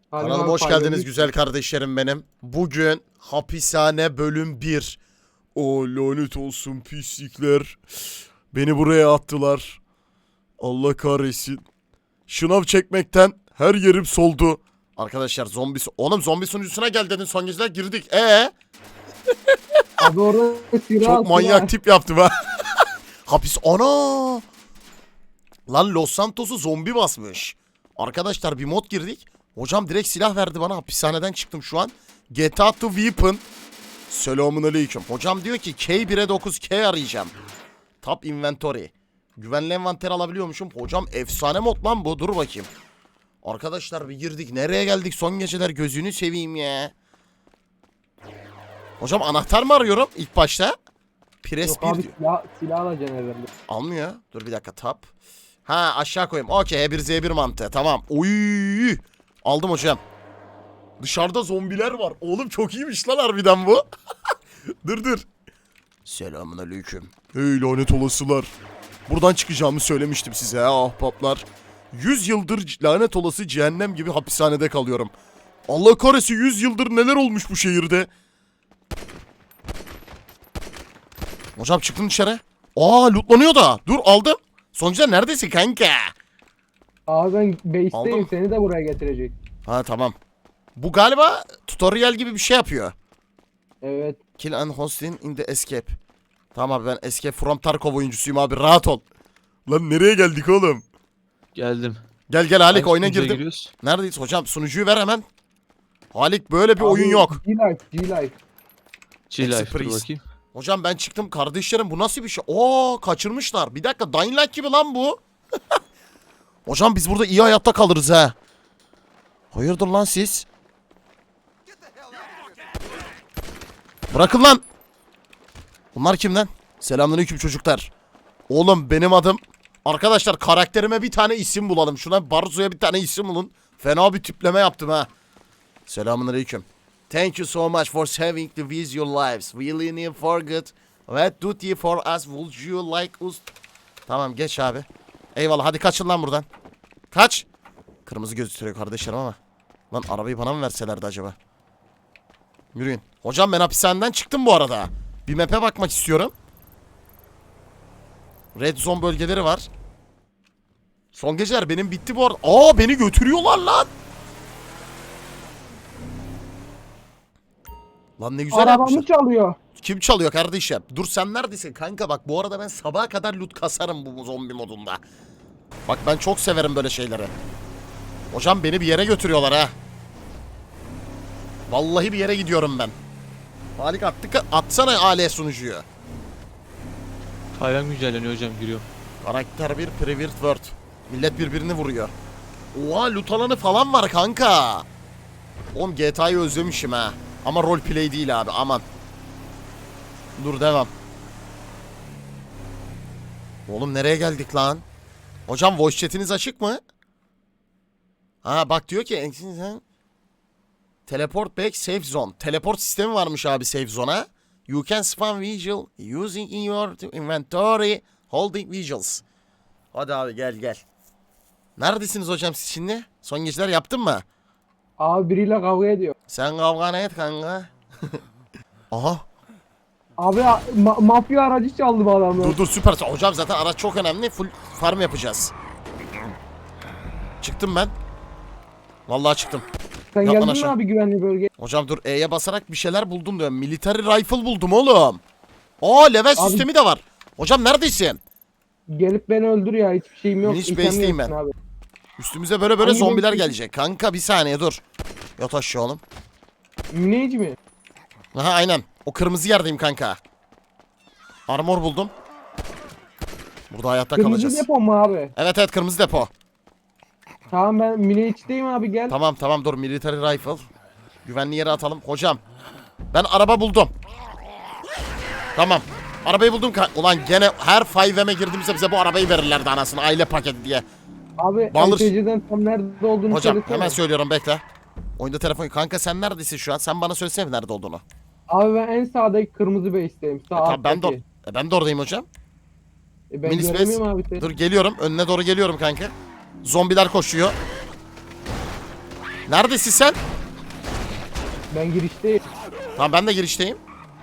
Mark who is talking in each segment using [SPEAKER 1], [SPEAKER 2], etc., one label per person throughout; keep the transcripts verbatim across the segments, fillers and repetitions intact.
[SPEAKER 1] Kanalıma hoş geldiniz güzel kardeşlerim benim. Bugün hapishane bölüm bir. O lanet olsun pislikler. Beni buraya attılar. Allah kahretsin. Şınav çekmekten her yerim soldu. Arkadaşlar zombi... Oğlum zombi sunucusuna gel dedin, son geceler girdik. Ee?
[SPEAKER 2] Abi orada
[SPEAKER 1] Çok manyak tip yaptım ha. Hapis... Ana! Lan Los Santos'u zombi basmış. Arkadaşlar bir mod girdik. Hocam direkt silah verdi bana. Hapishaneden çıktım şu an. Get out the weapon. Selamun aleyküm. Hocam diyor ki K bire dokuz K arayacağım. Top inventory. Güvenli envanter alabiliyormuşum. Hocam efsane mod lan bu. Dur bakayım. Arkadaşlar bir girdik. Nereye geldik son geceler, gözünü seveyim ya. Hocam anahtar mı arıyorum ilk başta? Press
[SPEAKER 2] Yok
[SPEAKER 1] bir
[SPEAKER 2] abi
[SPEAKER 1] diyor.
[SPEAKER 2] silah, silah alacaksın herhalde.
[SPEAKER 1] Almıyor. Dur bir dakika, tap. Ha aşağı koyayım. Okey, H bir Z bir mantığı. Tamam. Oy! Aldım hocam. Dışarıda zombiler var. Oğlum çok iyiymiş lan harbiden bu. Dur dur. Selamünaleyküm. Hey lanet olasılar. Buradan çıkacağımı söylemiştim size ha ahbaplar. yüz yıldır lanet olası cehennem gibi hapishanede kalıyorum. Allah kahretsin, yüz yıldır neler olmuş bu şehirde. Hocam çıktın dışarı. Aa lootlanıyor da. Dur aldım. Sonuçta neredesin kanka?
[SPEAKER 2] Abi ben base'teyim,
[SPEAKER 1] Aldım.
[SPEAKER 2] seni de buraya getirecek.
[SPEAKER 1] Ha tamam. Bu galiba tutorial gibi bir şey yapıyor.
[SPEAKER 2] Evet.
[SPEAKER 1] Kill and hosting in the escape. Tamam abi, ben Escape from Tarkov oyuncusuyum abi, rahat ol. Lan nereye geldik oğlum?
[SPEAKER 3] Geldim.
[SPEAKER 1] Gel gel Halik,
[SPEAKER 3] Hangi
[SPEAKER 1] oyuna
[SPEAKER 3] sunucuya
[SPEAKER 1] girdim.
[SPEAKER 3] giriyoruz?
[SPEAKER 1] Neredeyiz hocam? Sunucuyu ver hemen. Halik böyle bir
[SPEAKER 2] Abi,
[SPEAKER 1] oyun yok.
[SPEAKER 2] G-Life, G-Life.
[SPEAKER 3] G-Life dur
[SPEAKER 1] Express.
[SPEAKER 3] bakayım.
[SPEAKER 1] Hocam ben çıktım kardeşlerim, bu nasıl bir şey? Oo kaçırmışlar. Bir dakika, Dying Light gibi lan bu. Hocam biz burada iyi hayatta kalırız ha. Hayırdır lan siz? Bırakın lan. Bunlar kim lan? Selamünaleyküm çocuklar. Oğlum benim adım. Arkadaşlar karakterime bir tane isim bulalım. Şuna Barzo'ya bir tane isim bulun. Fena bir tipleme yaptım ha. Selamünaleyküm. Thank you so much for saving the with your lives. We really forget what duty for us would you like us. Tamam geç abi. Eyvallah, hadi kaçın lan buradan. Kaç. Kırmızı gözüküyor kardeşlerim ama. Lan arabayı bana mı verselerdi acaba? Yürüyün. Hocam ben hapishaneden çıktım bu arada. Bir map'e bakmak istiyorum. Red zone bölgeleri var. Son geceler benim bitti bu arada. Aa beni götürüyorlar lan. Lan ne güzel
[SPEAKER 2] Arabamı
[SPEAKER 1] yapmışlar.
[SPEAKER 2] çalıyor.
[SPEAKER 1] Kim çalıyor kardeşim? Dur sen neredesin kanka, bak bu arada ben sabaha kadar loot kasarım bu zombi modunda. Bak ben çok severim böyle şeyleri. Hocam beni bir yere götürüyorlar ha. Vallahi bir yere gidiyorum ben. Halik attık, atsana A L sunucuyu.
[SPEAKER 3] Hayran güncelleniyor hocam, giriyorum.
[SPEAKER 1] Karakter bir private world. Millet birbirini vuruyor. Oha loot alanı falan var kanka. Oğlum G T A'yı özlemişim ha. Ama roleplay değil abi, aman. Dur devam. Oğlum nereye geldik lan? Hocam voice chat'iniz açık mı? Ha bak diyor ki teleport back safe zone. Teleport sistemi varmış abi safe zone'a. You can spawn visual using in your inventory holding visuals. Hadi abi gel gel. Neredesiniz hocam siz şimdi? Son geceler yaptın mı?
[SPEAKER 2] Abi biriyle kavga ediyor.
[SPEAKER 1] Sen kavga et kanka. Aha.
[SPEAKER 2] Abi ma- mafya aracı çaldı bu adamı.
[SPEAKER 1] Dur dur süper. Hocam zaten araç çok önemli. Full farm yapacağız. Çıktım ben. Vallahi çıktım.
[SPEAKER 2] Sen
[SPEAKER 1] Yap lan
[SPEAKER 2] geldin mi
[SPEAKER 1] aşağı.
[SPEAKER 2] abi güvenli bölgeye?
[SPEAKER 1] Hocam dur E'ye basarak bir şeyler buldum diyorum. Military rifle buldum oğlum. Aa level
[SPEAKER 2] Abi-
[SPEAKER 1] sistemi de var. Hocam neredesin?
[SPEAKER 2] Gelip beni öldür ya, hiçbir şeyim yok.
[SPEAKER 1] Hiç
[SPEAKER 2] İtem
[SPEAKER 1] base'teyim
[SPEAKER 2] yoksun
[SPEAKER 1] ben.
[SPEAKER 2] Abi.
[SPEAKER 1] Üstümüze böyle böyle
[SPEAKER 2] Hangi
[SPEAKER 1] zombiler
[SPEAKER 2] base-
[SPEAKER 1] gelecek. Kanka bir saniye dur. Yat aşağı oğlum.
[SPEAKER 2] Müneyci mi?
[SPEAKER 1] Aha aynen. O kırmızı yerdeyim kanka. Armor buldum. Burada hayatta
[SPEAKER 2] Kırmızı
[SPEAKER 1] kalacağız.
[SPEAKER 2] depo mu abi?
[SPEAKER 1] Evet evet kırmızı depo.
[SPEAKER 2] Tamam ben Müneyci'deyim abi, gel.
[SPEAKER 1] Tamam tamam dur, military rifle. Güvenli yere atalım. Hocam ben araba buldum. Tamam. Arabayı buldum. Ka- Ulan gene her five M'e girdiğimizde bize bu arabayı verirlerdi anasını, aile paketi diye.
[SPEAKER 2] Abi
[SPEAKER 1] Bağlı-
[SPEAKER 2] N P C'den tam nerede olduğunu
[SPEAKER 1] Hocam
[SPEAKER 2] söylesene.
[SPEAKER 1] hemen söylüyorum, bekle. Oyunda telefon. Kanka sen neredesin şu an? Sen bana söylesene nerede olduğunu.
[SPEAKER 2] Abi ben en sağdaki kırmızı base'teyim. Sağ
[SPEAKER 1] E, tamam, ben de,
[SPEAKER 2] alttaki.
[SPEAKER 1] e, ben de oradayım hocam.
[SPEAKER 2] E, ben
[SPEAKER 1] Mini space.
[SPEAKER 2] göremiyorum abi seni.
[SPEAKER 1] Dur geliyorum. Önüne doğru geliyorum kanka. Zombiler koşuyor. Neredesin sen?
[SPEAKER 2] Ben girişteyim.
[SPEAKER 1] Tamam ben de girişteyim.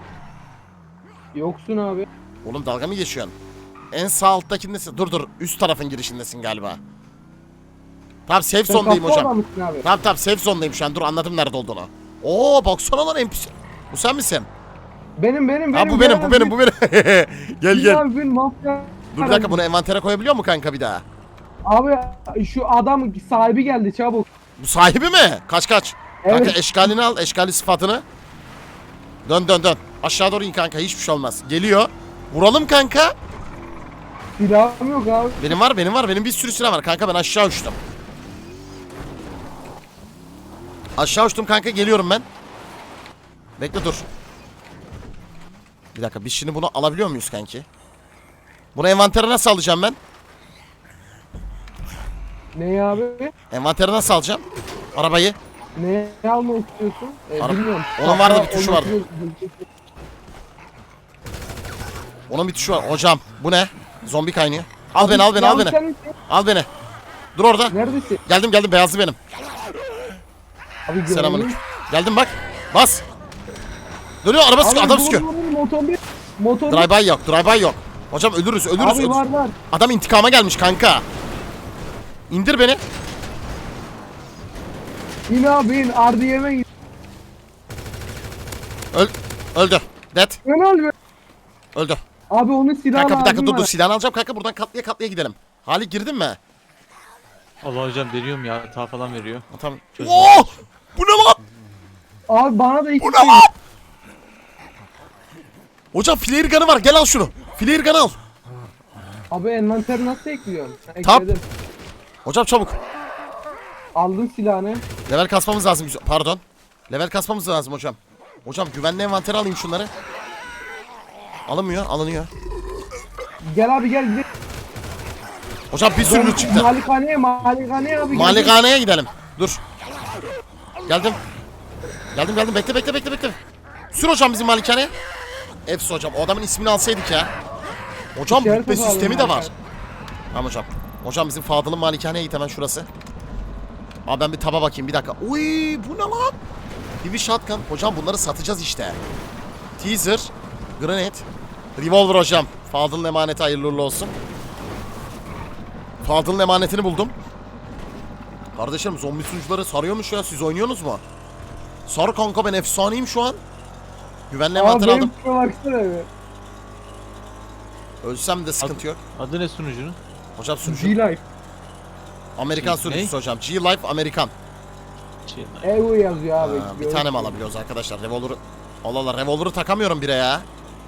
[SPEAKER 2] Yoksun abi.
[SPEAKER 1] Oğlum dalga mı geçiyorsun? En sağ alttakindesin. Dur dur üst tarafın girişindesin galiba. Tamam safe
[SPEAKER 2] Sen
[SPEAKER 1] zone'dayım
[SPEAKER 2] kapı
[SPEAKER 1] hocam.
[SPEAKER 2] adamısın abi.
[SPEAKER 1] Tamam tamam safe zone'dayım şu an. Dur anladım nerede olduğunu. Oo baksana lan N P C. Bu sen misin?
[SPEAKER 2] Benim benim benim.
[SPEAKER 1] Ha bu benim bu benim bu benim. Gel gel.
[SPEAKER 2] Abi ben mafya.
[SPEAKER 1] Dur bir dakika bunu envantere koyabiliyor mu kanka bir daha?
[SPEAKER 2] Abi şu adam sahibi geldi çabuk.
[SPEAKER 1] Bu sahibi mi? Kaç kaç. Kanka
[SPEAKER 2] Evet.
[SPEAKER 1] eşkalini al eşkali sıfatını. Dön dön dön. Aşağı doğru in kanka hiçbir şey olmaz. Geliyor. Vuralım kanka.
[SPEAKER 2] Silahım yok abi.
[SPEAKER 1] Benim var benim var benim bir sürü silah var kanka ben aşağı uçtum. Aşağı uçtum kanka geliyorum ben. Bekle dur. Bir dakika biz şimdi bunu alabiliyor muyuz kanki? Bunu envantere nasıl alacağım ben?
[SPEAKER 2] Ne abi?
[SPEAKER 1] Envantere nasıl alacağım? Arabayı.
[SPEAKER 2] Ne almak istiyorsun? E,
[SPEAKER 1] Ara-
[SPEAKER 2] bilmiyorum.
[SPEAKER 1] Onun vardı, bir
[SPEAKER 2] Hatta
[SPEAKER 1] tuşu
[SPEAKER 2] onun
[SPEAKER 1] vardı.
[SPEAKER 2] tuşu-
[SPEAKER 1] Onun bir tuşu var. Hocam bu ne? Zombi kaynıyor. Al beni al beni al
[SPEAKER 2] Yalnız
[SPEAKER 1] beni.
[SPEAKER 2] sen misin?
[SPEAKER 1] Al beni. Dur orada.
[SPEAKER 2] Neredesin?
[SPEAKER 1] Geldim geldim beyazlı benim.
[SPEAKER 2] Abi
[SPEAKER 1] Selamünaleyküm.
[SPEAKER 2] göreyim.
[SPEAKER 1] Geldim bak. Bas. Dönüyor araba sıkıyor
[SPEAKER 2] Abi
[SPEAKER 1] adam
[SPEAKER 2] vur,
[SPEAKER 1] sıkıyor.
[SPEAKER 2] vur, vur, Motor bir. Motor bir.
[SPEAKER 1] Drive-by yok drive-by yok. Hocam ölürüz ölürüz.
[SPEAKER 2] Abi
[SPEAKER 1] ölürüz.
[SPEAKER 2] var var.
[SPEAKER 1] Adam intikama gelmiş kanka. İndir beni.
[SPEAKER 2] İn abi in. R D M'e git.
[SPEAKER 1] Öl öldü. Dead.
[SPEAKER 2] Ne oluyor?
[SPEAKER 1] Öldü.
[SPEAKER 2] Abi onun silahı
[SPEAKER 1] Kanka bir dakika
[SPEAKER 2] lazım
[SPEAKER 1] dur dur
[SPEAKER 2] var.
[SPEAKER 1] silahını alacağım kanka buradan katlıya katlıya gidelim. Halik girdin mi?
[SPEAKER 3] Allah hocam deniyorum ya hata falan veriyor.
[SPEAKER 1] Ha, tamam. Oo! Bu ne lan?
[SPEAKER 2] Abi bana da iki
[SPEAKER 1] Bu ne lan? Hocam flare gun'ı var gel al şunu. Flare gun'ı al.
[SPEAKER 2] Abi envanteri nasıl ekliyorsun?
[SPEAKER 1] Tap.
[SPEAKER 2] Ekledim.
[SPEAKER 1] Hocam çabuk.
[SPEAKER 2] Aldın silahını.
[SPEAKER 1] Level kasmamız lazım. güzel- Pardon. Level kasmamız lazım hocam. Hocam güvenli envantere alayım şunları. Alınmıyor alınıyor.
[SPEAKER 2] Gel abi gel gidelim.
[SPEAKER 1] Hocam bir sürü loot çıktı.
[SPEAKER 2] Malikaneye malikaneye abi. gel.
[SPEAKER 1] Malikaneye gidelim. Dur. Geldim. Geldim geldim bekle bekle bekle bekle. Sür hocam bizim malikaneye. Efsi hocam o adamın ismini alsaydık ya. Hocam
[SPEAKER 2] İşaret
[SPEAKER 1] rütbe
[SPEAKER 2] alalım
[SPEAKER 1] sistemi de var.
[SPEAKER 2] malikaneye.
[SPEAKER 1] Tamam hocam. Hocam bizim Fadıl'ın malikaneye git hemen şurası. Abi ben bir taba bakayım bir dakika. Uy bu ne lan? Heavy shotgun. Hocam bunları satacağız işte. Teaser. Grenade. Revolver hocam. Fadıl'ın emaneti hayırlı uğurlu olsun. Fadıl'ın emanetini buldum. Kardeşim zombi sunucuları sarıyormuş ya siz oynuyorsunuz mu? Sar kanka ben efsaneyim şu an. Güvenli
[SPEAKER 2] Abi
[SPEAKER 1] envanter
[SPEAKER 2] benim
[SPEAKER 1] aldım.
[SPEAKER 2] şuna baksana be.
[SPEAKER 1] Ölsem de sıkıntı yok.
[SPEAKER 3] Adı ne sunucunun?
[SPEAKER 1] Hocam sunucu.
[SPEAKER 2] G-Life.
[SPEAKER 1] Amerikan
[SPEAKER 3] Ne?
[SPEAKER 1] sunucusu hocam. G-Life Amerikan.
[SPEAKER 3] Şey,
[SPEAKER 2] Evo yazıyor abi.
[SPEAKER 1] Ha, bir tane mi alabiliyoruz arkadaşlar? Revolver'ı... Allah Allah revolver'ı takamıyorum bire ya.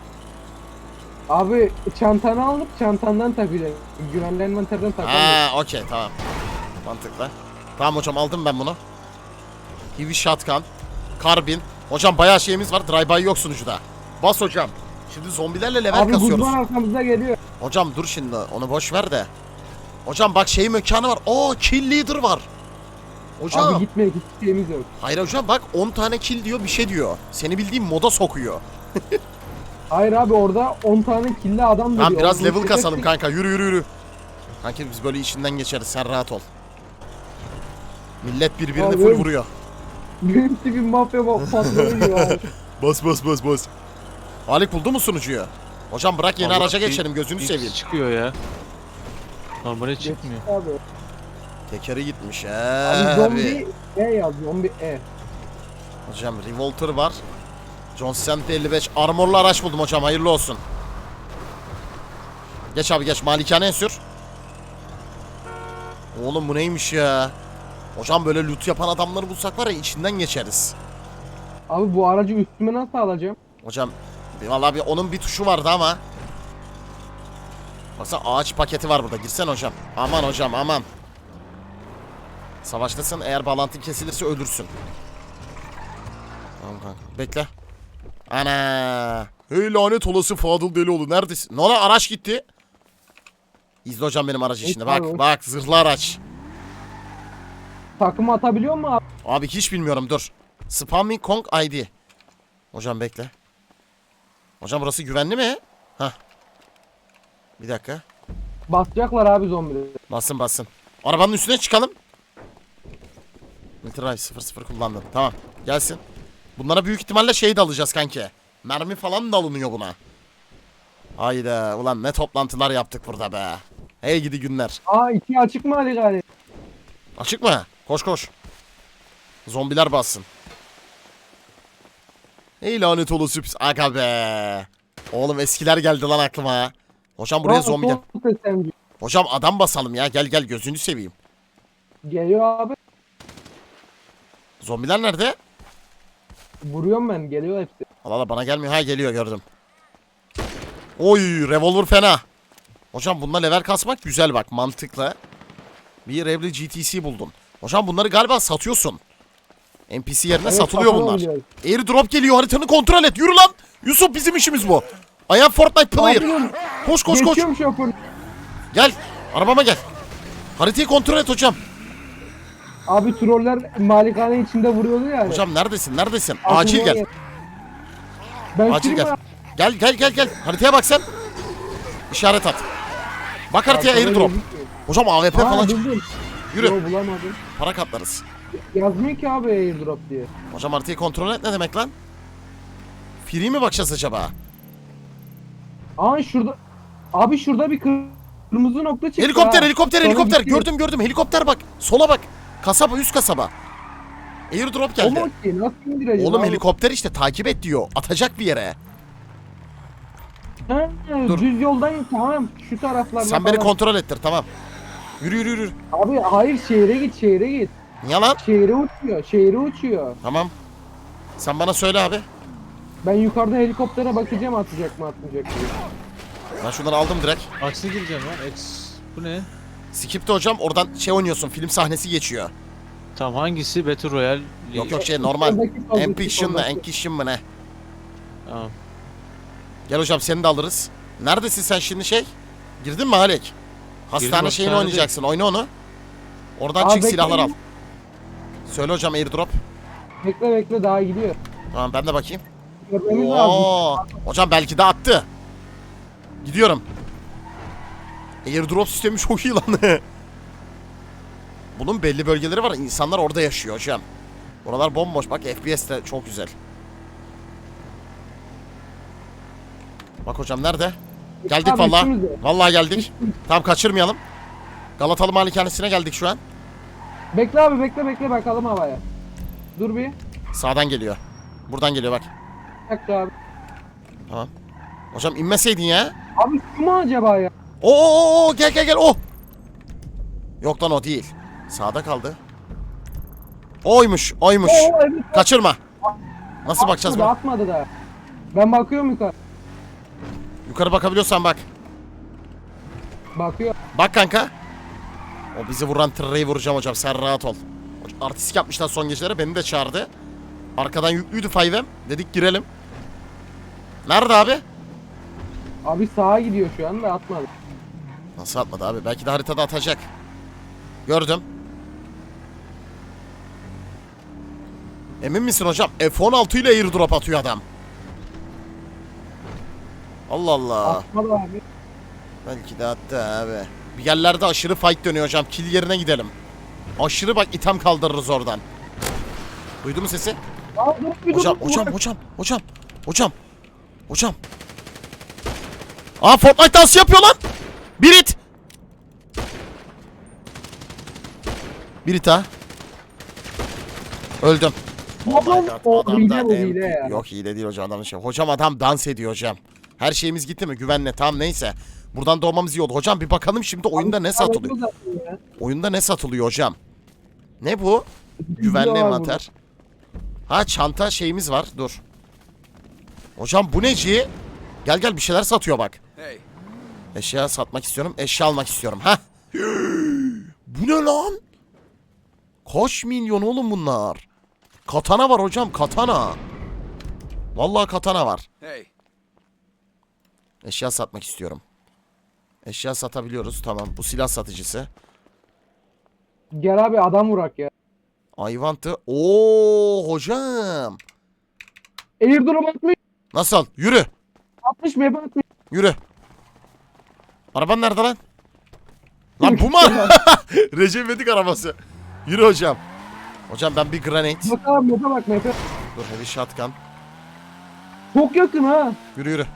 [SPEAKER 2] Abi çantanı alıp çantandan takacaksın. Güvenli envanterden takamıyorsun.
[SPEAKER 1] Ha okey tamam. Mantıklı. Tamam hocam aldım ben bunu. Heavy shotgun. Karbin. Hocam bayağı şeyimiz var. Drive-by yok sunucuda. Bas hocam. Şimdi zombilerle level
[SPEAKER 2] Abi
[SPEAKER 1] kasıyoruz.
[SPEAKER 2] buzman arkamızda geliyor.
[SPEAKER 1] Hocam dur şimdi onu boş ver de. Hocam bak şey mekanı var. Oo kill leader var. Hocam.
[SPEAKER 2] Abi gitme hiçbir şeyimiz yok.
[SPEAKER 1] Hayır hocam bak on tane kill diyor bir şey diyor. Seni bildiğim moda sokuyor.
[SPEAKER 2] Hayır abi orada on tane killi adam duruyor.
[SPEAKER 1] Tamam biraz
[SPEAKER 2] Onu
[SPEAKER 1] level
[SPEAKER 2] çekersek-
[SPEAKER 1] kasalım kanka yürü yürü yürü. Kanka biz böyle içinden geçeriz sen rahat ol. Millet birbirini
[SPEAKER 2] Abi,
[SPEAKER 1] full vuruyor.
[SPEAKER 2] Benim tipim mafya ba- patronu gibi abi.
[SPEAKER 1] Bas bas bas bas. Halik buldu mu sunucuyu? Hocam bırak yeni
[SPEAKER 3] Allah,
[SPEAKER 1] araca
[SPEAKER 3] bir-
[SPEAKER 1] geçelim gözünü
[SPEAKER 3] bir
[SPEAKER 1] seveyim.
[SPEAKER 3] çıkıyor ya. Normale çıkmıyor.
[SPEAKER 2] Abi.
[SPEAKER 1] Tekeri gitmiş
[SPEAKER 2] Abi
[SPEAKER 1] abi.
[SPEAKER 2] zombi E yaz zombi E.
[SPEAKER 1] Hocam revolter var. John Cent elli beş armorlu araç buldum hocam hayırlı olsun. Geç abi geç malikaneye sür. Oğlum bu neymiş ya? Hocam böyle loot yapan adamları bulsak var ya içinden geçeriz.
[SPEAKER 2] Abi bu aracı üstüme nasıl alacağım?
[SPEAKER 1] Hocam vallahi bir onun bir tuşu vardı ama. Baksana ağaç paketi var burada. Girsene hocam. Aman hocam aman. Savaştasın eğer bağlantın kesilirse ölürsün. Tamam kanka. Bekle. Ana. Hey lanet olası Fadıl Delioğlu neredesin? Ne lan araç gitti. İzle hocam benim aracı şimdi. Bak
[SPEAKER 2] abi.
[SPEAKER 1] bak zırhlı araç.
[SPEAKER 2] Takımı atabiliyor mu abi?
[SPEAKER 1] Abi hiç bilmiyorum dur. Spamming Kong I D. Hocam bekle. Hocam burası güvenli mi? Hah. Bir dakika.
[SPEAKER 2] Basacaklar abi zombileri.
[SPEAKER 1] Basın basın. Arabanın üstüne çıkalım. Military sıfır sıfır kullandım. Tamam. Gelsin. Bunlara büyük ihtimalle şey de alacağız kanki. Mermi falan da alınıyor buna. Hayda. Ulan ne toplantılar yaptık burada be. Hey gidi günler.
[SPEAKER 2] Aa iki açık mı Ali gari?
[SPEAKER 1] Açık mı? Koş koş. Zombiler bassın. Ey lanet olası pis. Aga be. Oğlum eskiler geldi lan aklıma. Hocam buraya
[SPEAKER 2] Aa,
[SPEAKER 1] zombi gel.
[SPEAKER 2] son S M G.
[SPEAKER 1] Hocam adam basalım ya. Gel gel gözünü seveyim.
[SPEAKER 2] Geliyor abi.
[SPEAKER 1] Zombiler nerede?
[SPEAKER 2] Vuruyorum ben. Geliyor hepsi.
[SPEAKER 1] Allah Allah bana gelmiyor. Ha geliyor gördüm. Oy revolver fena. Hocam bununla level kasmak güzel bak mantıklı. Bir Revli G T C buldun. Hocam bunları galiba satıyorsun. N P C yerine
[SPEAKER 2] Evet,
[SPEAKER 1] satılıyor
[SPEAKER 2] satın
[SPEAKER 1] bunlar.
[SPEAKER 2] alıyoruz.
[SPEAKER 1] Airdrop geliyor haritanı kontrol et. Yürü lan. Yusuf bizim işimiz bu. I am Fortnite player.
[SPEAKER 2] Abi dur.
[SPEAKER 1] Koş koş koş.
[SPEAKER 2] Geçiyorum şoför.
[SPEAKER 1] Gel. Arabama gel. Haritayı kontrol et hocam.
[SPEAKER 2] Abi troller malikane içinde vuruyordu yani.
[SPEAKER 1] Hocam neredesin neredesin?
[SPEAKER 2] Aklıma
[SPEAKER 1] Acil gel.
[SPEAKER 2] gel. Ben
[SPEAKER 1] Acil
[SPEAKER 2] film
[SPEAKER 1] gel. Gel gel gel gel. Haritaya bak sen. İşaret at. Bak haritaya airdrop. Hocam A W P falan çık.
[SPEAKER 2] buldum.
[SPEAKER 1] Yürü.
[SPEAKER 2] Yo bulamadım.
[SPEAKER 1] Para katlarız.
[SPEAKER 2] Yazmıyor ki abi airdrop diye.
[SPEAKER 1] Hocam haritayı kontrol et ne demek lan? Free mi bakacağız acaba?
[SPEAKER 2] Aa şurada. Abi şurada bir kır- kırmızı nokta çıktı.
[SPEAKER 1] Helikopter
[SPEAKER 2] ha.
[SPEAKER 1] helikopter
[SPEAKER 2] Sonra
[SPEAKER 1] helikopter.
[SPEAKER 2] gidiyor.
[SPEAKER 1] Gördüm gördüm helikopter bak. Sola bak. Kasaba üst kasaba. Airdrop
[SPEAKER 2] O mu
[SPEAKER 1] geldi.
[SPEAKER 2] ki? Nasıl indireceğim
[SPEAKER 1] Oğlum
[SPEAKER 2] abi?
[SPEAKER 1] helikopter işte takip et diyor. Atacak bir yere.
[SPEAKER 2] Ha,
[SPEAKER 1] Dur.
[SPEAKER 2] düz yoldan tamam şu taraflarda
[SPEAKER 1] Sen beni
[SPEAKER 2] falan.
[SPEAKER 1] kontrol ettir tamam. Yürü yürü yürü.
[SPEAKER 2] Abi hayır şehre git şehre git.
[SPEAKER 1] Niye lan?
[SPEAKER 2] Şehre uçuyor şehre uçuyor.
[SPEAKER 1] Tamam. Sen bana söyle abi.
[SPEAKER 2] Ben yukarıda helikoptere bakacağım atacak mı atmayacak mı.
[SPEAKER 1] Ben şunları aldım direkt.
[SPEAKER 3] Aksi gireceğim lan. X. Bu ne?
[SPEAKER 1] Skip'te hocam oradan şey oynuyorsun. Film sahnesi geçiyor.
[SPEAKER 3] Tamam hangisi? Battle Royale.
[SPEAKER 1] Yok yok şey normal.
[SPEAKER 2] Soldaki, soldaki,
[SPEAKER 1] Ambition mı?
[SPEAKER 2] soldaki.
[SPEAKER 1] Ambition mı ne?
[SPEAKER 3] Tamam.
[SPEAKER 1] Gel hocam seni de alırız. Neredesin sen şimdi şey? Girdin mi Halek? Hastane
[SPEAKER 3] Girdim,
[SPEAKER 1] şeyini
[SPEAKER 3] hastanede.
[SPEAKER 1] oynayacaksın. Oyna onu. Oradan
[SPEAKER 2] Aa,
[SPEAKER 1] çık
[SPEAKER 2] bekle.
[SPEAKER 1] silahlar al. Söyle hocam airdrop.
[SPEAKER 2] Bekle bekle daha gidiyor.
[SPEAKER 1] Tamam ben de bakayım.
[SPEAKER 2] Görmemiz lazım.
[SPEAKER 1] Oo. Hocam belki de attı. Gidiyorum. Airdrop sistemi çok iyi lan. Bunun belli bölgeleri var. İnsanlar orada yaşıyor hocam. Oralar bomboş. Bak F P S de çok güzel. Bak hocam nerede? Geldik
[SPEAKER 2] Abi,
[SPEAKER 1] vallahi.
[SPEAKER 2] üstümüzde.
[SPEAKER 1] Vallahi geldik. Tamam kaçırmayalım. Galatalı Malikanesine geldik şu an.
[SPEAKER 2] Bekle abi bekle bekle bakalım havaya. Dur bir.
[SPEAKER 1] Sağdan geliyor. Buradan geliyor bak.
[SPEAKER 2] Bir dakika abi.
[SPEAKER 1] Tamam. Hocam inmeseydin ya.
[SPEAKER 2] Abi şu mu acaba ya?
[SPEAKER 1] Oo, oo, oo, gel gel gel o. Yok lan o değil. Sağda kaldı. Oymuş, oymuş.
[SPEAKER 2] Oo evet.
[SPEAKER 1] Kaçırma. Nasıl bakacağız
[SPEAKER 2] Atmadı,
[SPEAKER 1] buna?
[SPEAKER 2] atmadı da. Ben bakıyorum yukarı.
[SPEAKER 1] Yukarı bakabiliyorsan bak.
[SPEAKER 2] Bakıyor.
[SPEAKER 1] Bak kanka. O bizi vuran tırreyi vuracağım hocam. Sen rahat ol. Artistik yapmışlar son gecelere. Beni de çağırdı. Arkadan yüklüydü five M. Dedik girelim. Nerede abi?
[SPEAKER 2] Abi sağa gidiyor şu anda atmadı.
[SPEAKER 1] Nasıl atmadı abi? Belki de haritada atacak. Gördüm. Emin misin hocam? F on altı ile airdrop atıyor adam. Allah Allah.
[SPEAKER 2] Atmadı abi.
[SPEAKER 1] Belki de attı abi. Bir yerlerde aşırı fight dönüyor hocam. Kill yerine gidelim. Aşırı bak item kaldırırız oradan. Duydu mu sesi?
[SPEAKER 2] Aa, dur, bir dur,
[SPEAKER 1] Hocam
[SPEAKER 2] dur,
[SPEAKER 1] hocam
[SPEAKER 2] dur.
[SPEAKER 1] hocam hocam. Hocam. Hocam. Aa Fortnite dansı yapıyor lan. Bir it. Bir it ha. Öldüm. Oh my God,
[SPEAKER 2] O
[SPEAKER 1] adam
[SPEAKER 2] hile
[SPEAKER 1] da
[SPEAKER 2] bu
[SPEAKER 1] em-
[SPEAKER 2] hile ya.
[SPEAKER 1] Yok hile değil hocam adam şey. Hocam adam dans ediyor hocam. Her şeyimiz gitti mi? Güvenle tamam neyse. Buradan doğmamız iyi oldu. Hocam bir bakalım şimdi oyunda ne satılıyor? Oyunda ne satılıyor hocam? Ne bu? Güvenli
[SPEAKER 2] var
[SPEAKER 1] envanter. Ha çanta şeyimiz var. Dur. Hocam bu neci? Gel gel bir şeyler satıyor bak. Eşya satmak istiyorum. Eşya almak istiyorum. Ha? Bu ne lan? Kaç milyon oğlum bunlar? Katana var hocam katana. Vallahi katana var. Eşya satmak istiyorum. Eşya satabiliyoruz tamam. Bu silah satıcısı.
[SPEAKER 2] Gel abi adam vurak ya.
[SPEAKER 1] I want to... Oo hocam.
[SPEAKER 2] Airdrop atmış.
[SPEAKER 1] Nasıl? Yürü.
[SPEAKER 2] Atmış map atmış.
[SPEAKER 1] Yürü. Araban nerede lan? Lan bu mu? Recep İvedik arabası. Yürü hocam. Hocam ben bir granate.
[SPEAKER 2] Bak abi mapa bak mapa.
[SPEAKER 1] Dur heavy shotgun.
[SPEAKER 2] Çok yakın ha.
[SPEAKER 1] Yürü yürü.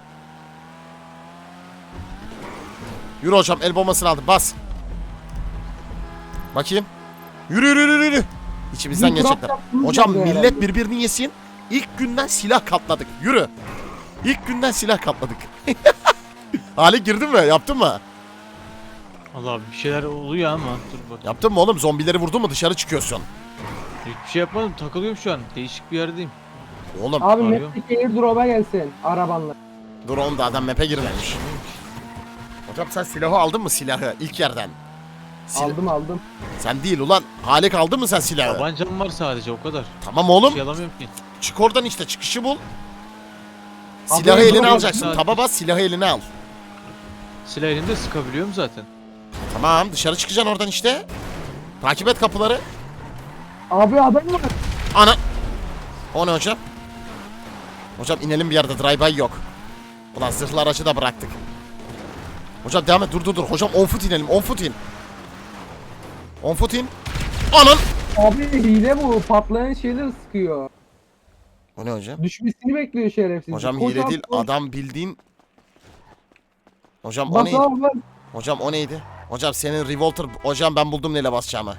[SPEAKER 1] Yürü hocam, el bombasını aldım, bas. Bakayım. Yürü yürü yürü yürü. İçimizden
[SPEAKER 2] Bir
[SPEAKER 1] geçecekler.
[SPEAKER 2] trap yaptınız
[SPEAKER 1] Hocam
[SPEAKER 2] herhalde.
[SPEAKER 1] millet birbirini yesin. İlk günden silah katladık. Yürü. İlk günden silah katladık. Hale girdin mi? Yaptın mı?
[SPEAKER 3] Allah abi bir şeyler oluyor ama dur bak.
[SPEAKER 1] Yaptın mı oğlum? Zombileri vurdun mu dışarı çıkıyorsun.
[SPEAKER 3] Hiçbir şey yapmadım, takılıyorum şu an. Değişik bir yerdeyim.
[SPEAKER 1] Oğlum
[SPEAKER 2] Abi
[SPEAKER 3] Arıyor.
[SPEAKER 2] map'teki airdrop'a gelsin arabanla.
[SPEAKER 1] dur oğlum da adam map'e girmemiş. Hocam sen silahı aldın mı, silahı ilk yerden? Sil-
[SPEAKER 2] Aldım aldım.
[SPEAKER 1] Sen değil ulan. Halik aldın mı sen silahı?
[SPEAKER 3] Tabancam var sadece, o kadar.
[SPEAKER 1] Tamam
[SPEAKER 3] Bir
[SPEAKER 1] oğlum.
[SPEAKER 3] şey alamıyorum ki.
[SPEAKER 1] Çık oradan işte, çıkışı bul.
[SPEAKER 2] Abi,
[SPEAKER 1] Silahı
[SPEAKER 2] dur
[SPEAKER 1] eline
[SPEAKER 2] bakayım,
[SPEAKER 1] alacaksın.
[SPEAKER 3] sadece.
[SPEAKER 1] Taba bas, silahı eline al.
[SPEAKER 3] Silah elimde, sıkabiliyorum zaten.
[SPEAKER 1] Tamam, dışarı çıkacaksın oradan işte. Takip et kapıları.
[SPEAKER 2] Abi adam var.
[SPEAKER 1] Ana. O ne hocam? Hocam inelim bir yerde, drive-by yok. Ulan zırhlı aracı da bıraktık. Hocam devam et, dur dur dur. Hocam on foot inelim, on foot in. on foot in. Anan.
[SPEAKER 2] Abi hile bu. Patlayan şeyleri sıkıyor.
[SPEAKER 1] O ne hocam?
[SPEAKER 2] Düşmesini bekliyor şerefsiz.
[SPEAKER 1] Hocam
[SPEAKER 2] Koş
[SPEAKER 1] hile
[SPEAKER 2] abi,
[SPEAKER 1] değil,
[SPEAKER 2] koş.
[SPEAKER 1] adam bildiğin. Hocam o
[SPEAKER 2] Bas
[SPEAKER 1] neydi?
[SPEAKER 2] abi bas.
[SPEAKER 1] Hocam o neydi? Hocam senin revolter. Hocam ben buldum neyle basacağımı.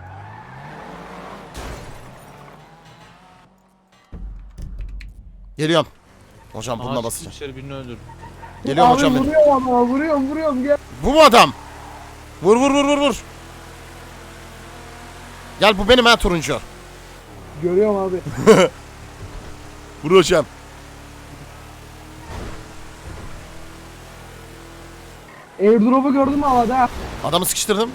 [SPEAKER 1] Geliyorum. Hocam bununla
[SPEAKER 3] Aha,
[SPEAKER 1] basacağım.
[SPEAKER 3] dışarı birini öldürdüm.
[SPEAKER 1] Geliyorum
[SPEAKER 2] Abi
[SPEAKER 1] hocam benim.
[SPEAKER 2] vuruyorum ama vuruyorum vuruyorum gel.
[SPEAKER 1] Bu mu adam? Vur vur vur vur vur. Gel bu benim ha, turuncu.
[SPEAKER 2] Görüyorum abi.
[SPEAKER 1] Vur hocam.
[SPEAKER 2] Airdrop'u gördün mü havada?
[SPEAKER 1] Adamı sıkıştırdım.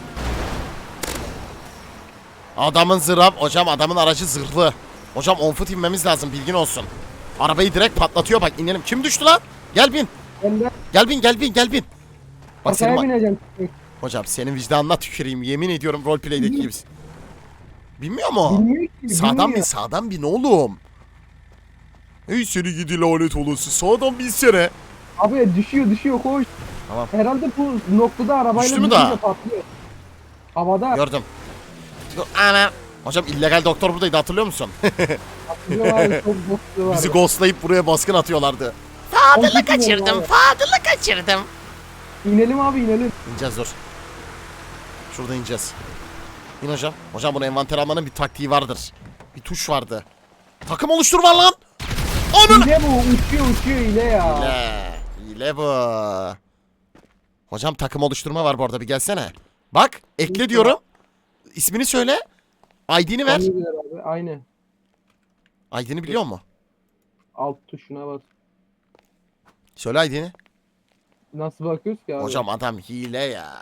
[SPEAKER 1] Adamın zırhı. Hocam adamın aracı zırhlı. Hocam on foot inmemiz lazım, bilgin olsun. Arabayı direkt patlatıyor, bak inelim. Kim düştü lan? Gel bin.
[SPEAKER 2] Ben de
[SPEAKER 1] Gel bin gel bin gel bin. Bak senin
[SPEAKER 2] arkaya
[SPEAKER 1] ma-
[SPEAKER 2] bineceğim.
[SPEAKER 1] Hocam senin vicdanına tüküreyim, yemin ediyorum roleplay'deki gibisin. Bilmiyor mu?
[SPEAKER 2] Bilmiyor ki.
[SPEAKER 1] Sağdan bin,
[SPEAKER 2] bilmiyor.
[SPEAKER 1] sağdan bin oğlum. Ey seni gidi lanet olası, sağdan binsene.
[SPEAKER 2] Abi düşüyor düşüyor koş.
[SPEAKER 1] Tamam.
[SPEAKER 2] Herhalde bu noktada arabayla
[SPEAKER 1] Düştü mü
[SPEAKER 2] vurunca
[SPEAKER 1] daha?
[SPEAKER 2] patlıyor. Havada
[SPEAKER 1] Gördüm. Dur, ana. Hocam illegal doktor buradaydı, hatırlıyor musun?
[SPEAKER 2] patlıyor abi çok bokluyor
[SPEAKER 1] Bizi
[SPEAKER 2] abi.
[SPEAKER 1] ghostlayıp buraya baskın atıyorlardı.
[SPEAKER 2] Fadıl'ı kaçırdım,
[SPEAKER 1] Fadıl'ı kaçırdım.
[SPEAKER 2] İnelim abi inelim.
[SPEAKER 1] İneceğiz dur. Şurada ineceğiz. İn hocam. Hocam bunu envanter almanın bir taktiği vardır. Bir tuş vardı. Takım oluştur var lan. Onun.
[SPEAKER 2] Hile bu uçuyor uçuyor hile ya.
[SPEAKER 1] Hile. Hile bu. Hocam takım oluşturma var bu arada, bir gelsene. Bak ekle diyorum. İsmini söyle. I D'ni ver.
[SPEAKER 2] Aynı diyor abi aynı.
[SPEAKER 1] I D'ni biliyor musun?
[SPEAKER 2] Alt tuşuna bas.
[SPEAKER 1] Söyle I D'ni.
[SPEAKER 2] Nasıl bakıyoruz ki abi?
[SPEAKER 1] Hocam adam hile ya.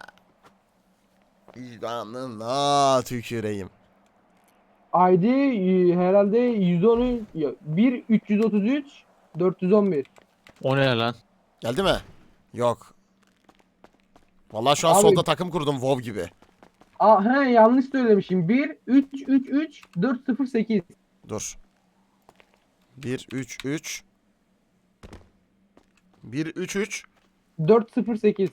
[SPEAKER 1] Vicdanına tüküreyim.
[SPEAKER 2] I D e, herhalde yüz on üç ya, bir üç yüz otuz üç dört yüz on bir.
[SPEAKER 3] O ne lan?
[SPEAKER 1] Geldi mi? Yok. Vallahi şu an
[SPEAKER 2] Abi-
[SPEAKER 1] solda takım kurdum WoW gibi.
[SPEAKER 2] Aa he yanlış söylemişim. bir üç üç üç dört sıfır sekiz.
[SPEAKER 1] Dur. bir üç üç bir üç üç
[SPEAKER 2] dört sıfır sekiz.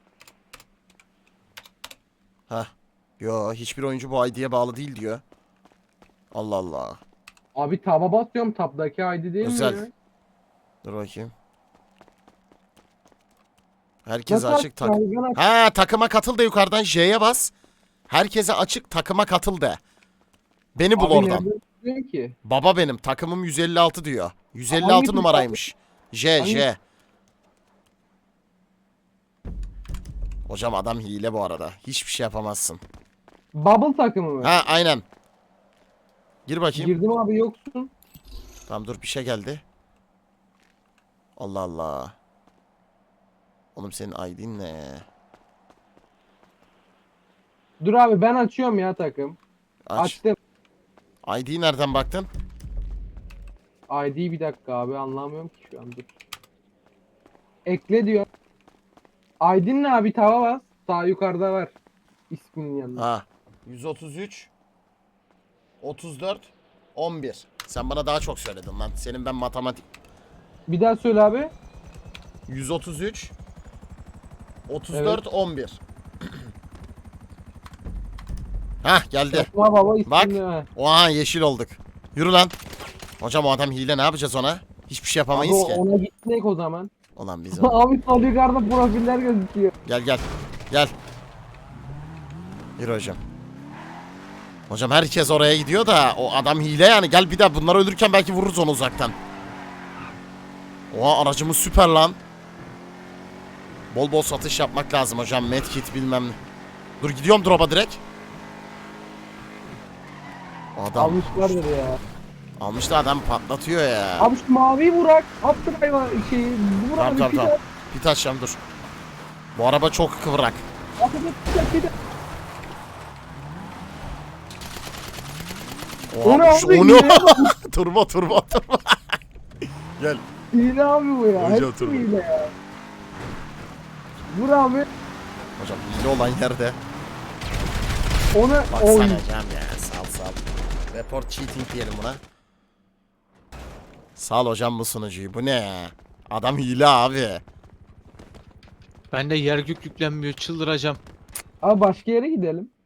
[SPEAKER 1] Heh. Yo, hiçbir oyuncu bu I D'ye bağlı değil diyor. Allah Allah.
[SPEAKER 2] Abi taba basıyorum tabdaki I D değil
[SPEAKER 1] Özel.
[SPEAKER 2] mi? ya?
[SPEAKER 1] Dur bakayım. Herkes
[SPEAKER 2] Nasıl
[SPEAKER 1] açık tak.
[SPEAKER 2] açacağım? Ben aç-
[SPEAKER 1] Ha, takıma katıl da yukarıdan J'ye bas. Herkese açık, takıma katıl de. Beni bul
[SPEAKER 2] Abi
[SPEAKER 1] oradan.
[SPEAKER 2] nereden çıkıyorsun ki?
[SPEAKER 1] Baba benim takımım yüz elli altı diyor. yüz elli
[SPEAKER 2] Hangi
[SPEAKER 1] altı
[SPEAKER 2] tuş
[SPEAKER 1] numaraymış. J
[SPEAKER 2] Hangi-
[SPEAKER 1] J. Hocam adam hile bu arada. Hiçbir şey yapamazsın.
[SPEAKER 2] Bubble takımı mı?
[SPEAKER 1] Ha aynen. Gir bakayım.
[SPEAKER 2] Girdim abi yoksun.
[SPEAKER 1] Tamam dur, bir şey geldi. Allah Allah. Oğlum senin I D'in ne?
[SPEAKER 2] Dur abi ben açıyorum ya takım.
[SPEAKER 1] Aç.
[SPEAKER 2] Açtım.
[SPEAKER 1] I D'yi nereden baktın?
[SPEAKER 2] I D bir dakika abi anlamıyorum ki şu an dur. Ekle diyor. I D'nin ne abi tava bas. Sağ yukarıda var. İsminin yanında.
[SPEAKER 1] Ha. yüz otuz üç otuz dört on bir. Sen bana daha çok söyledin lan. Senin ben matematik.
[SPEAKER 2] Bir daha söyle abi.
[SPEAKER 1] yüz otuz üç otuz dört on bir. Hah geldi.
[SPEAKER 2] Baba baba
[SPEAKER 1] Bak.
[SPEAKER 2] ismini.
[SPEAKER 1] Oha yeşil olduk. Yürü lan. Hocam o adam hile, ne yapacağız ona? Hiçbir şey
[SPEAKER 2] Abi
[SPEAKER 1] yapamayız ki.
[SPEAKER 2] ona gitmek o zaman.
[SPEAKER 1] Ulan biz o-
[SPEAKER 2] Abi sol yukarıda profiller gözüküyor.
[SPEAKER 1] Gel gel. Gel. Yürü hocam. Hocam herkes oraya gidiyor da o adam hile yani. Gel bir daha bunlar ölürken belki vururuz onu uzaktan. Oha aracımız süper lan. Bol bol satış yapmak lazım hocam. Medkit bilmem ne. Dur gidiyorum drop'a direkt. Adam
[SPEAKER 2] Almışlardır ya.
[SPEAKER 1] almış da adam patlatıyor ya.
[SPEAKER 2] Abi şu maviyi vurak. Attır hayvan şeyi. Vur
[SPEAKER 1] Tamam
[SPEAKER 2] abi
[SPEAKER 1] tamam
[SPEAKER 2] bir
[SPEAKER 1] tamam.
[SPEAKER 2] daha.
[SPEAKER 1] Pit açacağım dur. Bu araba çok kıvrak.
[SPEAKER 2] Atacak bir daha, bir daha.
[SPEAKER 1] Oha,
[SPEAKER 2] O ne
[SPEAKER 1] şu-
[SPEAKER 2] abi,
[SPEAKER 1] o ne?
[SPEAKER 2] hile
[SPEAKER 1] turbo turbo turbo. Gel.
[SPEAKER 2] Hile abi bu ya.
[SPEAKER 1] Hocam,
[SPEAKER 2] Hepsi
[SPEAKER 1] dur.
[SPEAKER 2] hile ya. Vur abi.
[SPEAKER 1] Hocam hile olan yerde.
[SPEAKER 2] Onu
[SPEAKER 1] Baksana
[SPEAKER 2] oy.
[SPEAKER 1] hocam ya, sal sal. Report cheating diyelim buna. Sal hocam bu sunucuyu. Bu ne ya? Adam hile abi.
[SPEAKER 3] Ben de yer gök yüklenmiyor, çıldıracağım.
[SPEAKER 2] Abi başka yere gidelim.